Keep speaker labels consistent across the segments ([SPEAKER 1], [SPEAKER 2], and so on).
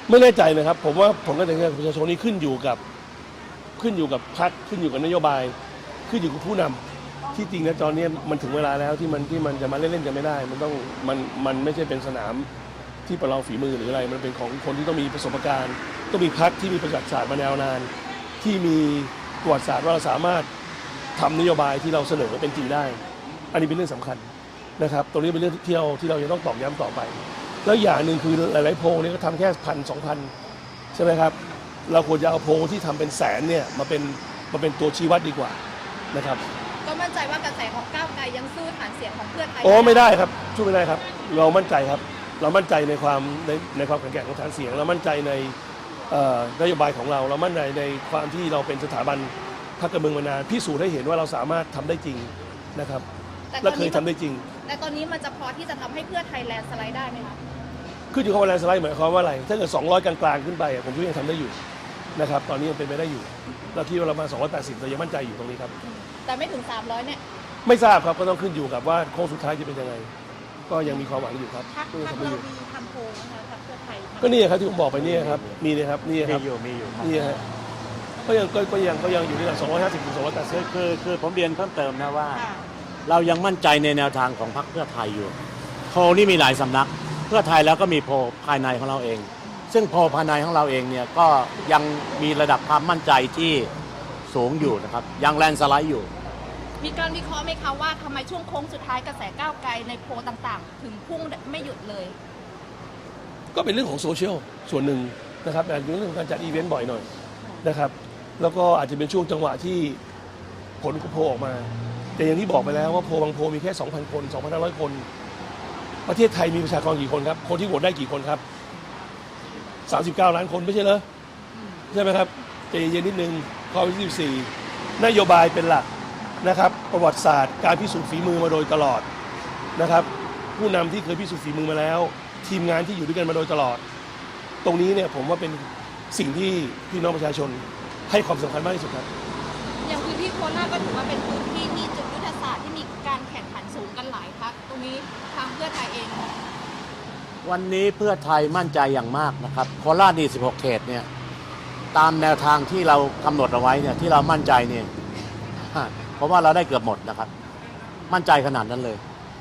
[SPEAKER 1] ไม่แน่ใจนะครับผมว่าผลการตัดสินใจของประชาชนนี้ขึ้นอยู่กับพรรคขึ้นอยู่กับนโยบายขึ้นอยู่กับผู้นำที่จริงนะตอนนี้มันถึงเวลาแล้วที่มันจะมาเล่นๆกันไม่ได้มันไม่ใช่เป็นสนามที่ประลองฝีมือหรืออะไรมันเป็นของคนที่ต้องมีประสบการณ์ต้องมีพรรคที่มีประวัติศาสตร์มายาวนานที่มีประวัติศาสตร์ว่าเราสามารถทำนโยบายที่เราเสนอเป็นจริงได้อันนี้เป็นเรื่องสำคัญนะครับตรงนี้เป็นเรื่องที่เราจะต้องตอกย้ำต่อไปแล้วอย่างหนึ่งคือหลายๆโพลเนี่ยก็ทำแค่1,000-2,000ใช่ไหมครับเราควรจะเอาโพลที่ทำเป็นแสนเนี่ยมาเป็นตัวชี้วัดดีกว่านะครับ
[SPEAKER 2] ก็มั่นใจว่ากระแสของก้าวไกลยังสู้ฐานเสียงของเพื่อไทย
[SPEAKER 1] ไม่ได้ครับสู้ไม่ได้ครับเรามั่นใจครับเรามั่นใจในความแข็งแกร่งของฐานเสียงเรามั่นใจในนโยบายของเรามั่นใจในความที่เราเป็นสถาบันพรรคการเมืองมานานพิสูจน์ให้เห็นว่าเราสามารถทำได้จริงนะครับและเคยทำได้จริง
[SPEAKER 2] แต่ตอนนี้มันจะพอที่จะทำให้เพื่อไทยแลนด์สไลด์ได้ไหมคะ
[SPEAKER 1] ขึ้นอยู่กับว่าแลนด์สไลด์หมายความว่าอะไรถ้าเกิด200กลางๆขึ้นไปผมก็ยังทำได้อยู่นะครับตอนนี้ยังเป็นไปได้อยู่เราคิดว่าเรามา280เรายังมั่นใจอยู่ตรงนี้ครับ
[SPEAKER 2] แต่ไม่ถึง300เนี่ย
[SPEAKER 1] ไม่ทราบครับก็ต้องขึ้นอยู่กับว่าโค้งสุดท้ายจะเป็นยังไงก็ยังมีความหวังอยู่ครับ
[SPEAKER 2] พรรคเรามีทำโพลนะคะพรรคเพื่อไทย
[SPEAKER 1] ก็นี่ครับที่ผมบอกไปนี่ครับมีเลยครับนี่ครับ
[SPEAKER 3] มีอยู่
[SPEAKER 1] นี่ฮะก็ยังอยู่ที่หลัก250 ถึง 280
[SPEAKER 3] คือผมเรียนเพิ่มเติมนะว่าเรายังมั่นใจในแนวทางของพรรคเพื่อไทยอยู่โพลนี่มีหลายสำนักเพื่อไทยแล้วก็มีโพลภายในของเราเองซึ่งโพลภายในของเราเองเนี่ยก็ยังมีระดับความมั่นใจที่สูงอยู่นะครับยังแลนด์สไลด์อยู่
[SPEAKER 2] มีการวิเคราะห์ไหมคะว่าทำไมช่วงโค้งสุดท้ายกระแสก้าวไกลในโพลต่างๆถึงพุ่งไม่หยุดเลย
[SPEAKER 1] ก็เป็นเรื่องของโซเชียลส่วนหนึ่งนะครับแต่เรื่องของการจัดอีเวนต์บ่อยหน่อยนะครับแล้วก็อาจจะเป็นช่วงจังหวะที่ผลโพลออกมาแต่อย่างที่บอกไปแล้วว่าโพลบางโพลมีแค่ 2,000 คน 2,500 คนประเทศไทยมีประชากรกี่คนครับคนที่โหวตได้กี่คนครับ39 ล้านคนไม่ใช่เหรอใช่ไหมครับใจเย็นนิดนึงข้อ24นโยบายเป็นหลักนะครับประวัติศาสตร์การพิสูจน์ฝีมือมาโดยตลอดนะครับผู้นำที่เคยพิสูจน์ฝีมือมาแล้วทีมงานที่อยู่ด้วยกันมาโดยตลอดตรงนี้เนี่ยผมว่าเป็นสิ่งที่พี่น้องประชาชนให้ความสำคัญมากที่สุดครับ
[SPEAKER 2] อย่างพื้นที่โคราชก็ถือว่าเป็นพื้นที่ที่จุดยุทธศาสตร์ที่มีการแข่งขันสูงกันหลายพรรคตรงนี้ทางเพื่อไทยเอง
[SPEAKER 3] วันนี้เพื่อไทยมั่นใจอย่างมากนะครับโคราชนี่16 เขตเนี่ยตามแนวทางที่เรากำหนดเอาไว้เนี่ยที่เรามั่นใจเนี่ยเพราะว่าเราได้เกือบหมดนะครับมั่นใจขนาดนั้นเลย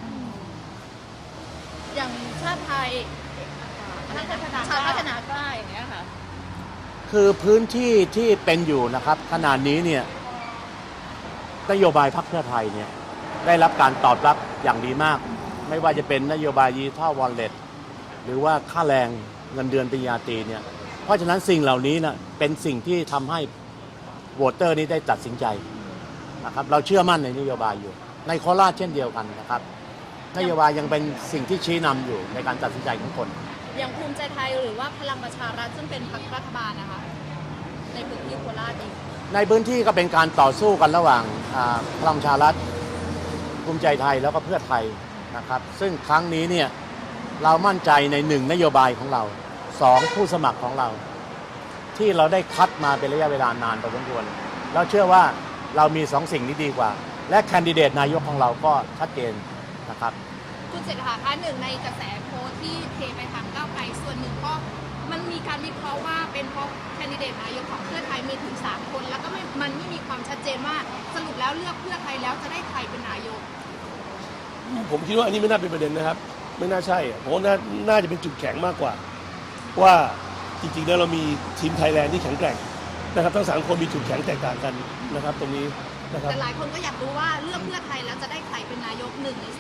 [SPEAKER 2] อย่างชาติไทยชาติพัฒนากล้าอย่างเงี้ยค่ะ
[SPEAKER 3] คือพื้นที่ที่เป็นอยู่นะครับขนาดนี้เนี่ยนโยบายพรรคเพื่อไทยเนี่ยได้รับการตอบรับอย่างดีมากไม่ว่าจะเป็นนโยบายดิจิทัลวอลเล็ตหรือว่าค่าแรงเงินเดือนปริญญาตรีเนี่ยเพราะฉะนั้นสิ่งเหล่านี้นะเป็นสิ่งที่ทำให้โหวตเตอร์นี้ได้ตัดสินใจนะครับเราเชื่อมั่นในนโยบายอยู่ในโคราชเช่นเดียวกันนะครับนโยบายยังเป็นสิ่งที่ชี้นำอยู่ในการตัดสินใจของคน
[SPEAKER 2] อย่างภูมิใจไทยหรือว่าพลังประชารัฐซึ่งเป็นพรรครัฐบาลนะคะในพื้นที่โคราชเอง
[SPEAKER 3] ในพื้นที่ก็เป็นการต่อสู้กันระหว่างพลังประชารัฐภูมิใจไทยแล้วก็เพื่อไทยนะครับซึ่งครั้งนี้เนี่ยเรามั่นใจใน1นโยบายของเรา2ผู้สมัครของเราที่เราได้คัดมาเป็นระยะเวลานานพอสมควรแล้วเชื่อว่าเรามี2สิ่งนี้ดีกว่าและแคนดิเดตนายกของเราก็ชัดเจนนะครับ
[SPEAKER 2] คุณเศรษฐาคะหนึ่งในกระแสโพลที่เทไปทางก้าวไกลส่วนหนึ่งก็มันมีการวิเคราะห์ว่าเป็นเพราะแคนดิเดตนายกของเพื่อไทยมีถึง3 คนแล้วก็มันไม่มีความชัดเจนว่าสรุปแล้วเลือกเพื่อไทยแล้วจะได้ใครเป็นนายก
[SPEAKER 1] ผมคิดว่าอันนี้ไม่น่าเป็นประเด็นนะครับไม่น่าใช่ผมว่าน่าจะเป็นจุดแข็งมากกว่าว่าจริงๆแล้วเรามีทีมไทยแลนด์ที่แข็งแกร่งนะครับทั้ง3 คนมีจุดแข็งแตกต่างกันนะครับตรงนี้นะครับ
[SPEAKER 2] แต่หลายคนก็อยากรู้ว่าเลือกเพื่อไทยแล้วจะได้ใครเป็นนายก1 ใน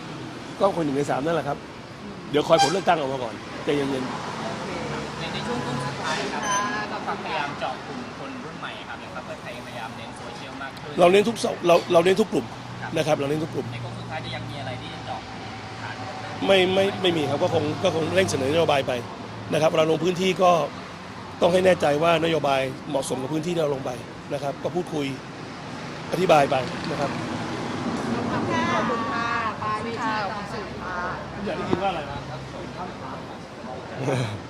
[SPEAKER 2] 3
[SPEAKER 1] ก็คน1 ใน 3นั่นแหละครับเดี๋ยวคอยผลเลือกตั้งออกมาก่อนใจเย็น
[SPEAKER 4] ในช่วงต้นสุดท้ายครับก็พยายามเจาะกลุ่มคนรุ่นใหม่ครับอย่างพรรคเพื่อไทยพยายามเน้นโซเชียลมากขึ้น
[SPEAKER 1] เราเน้นทุกกลุ่มนะครับเราเน้นทุกกลุ่ม
[SPEAKER 4] ในช่วงสุดท้ายจะยังมีอะไรที่เจาะฐาน
[SPEAKER 1] ไม่มีครับก็คงเร่งเสนอนโยบายไปนะครับเราลงพื้นที่ก็ต้องให้แน่ใจว่านโยบายเหมาะสมกับพื้นที่ที่เราลงไปนะครับก็พูดคุยอธิบายไปนะครับ
[SPEAKER 2] ขอบคุณค่ะปาวิชาของสื่อค่ะ
[SPEAKER 1] อยากได้ยินว่าอะไรนะ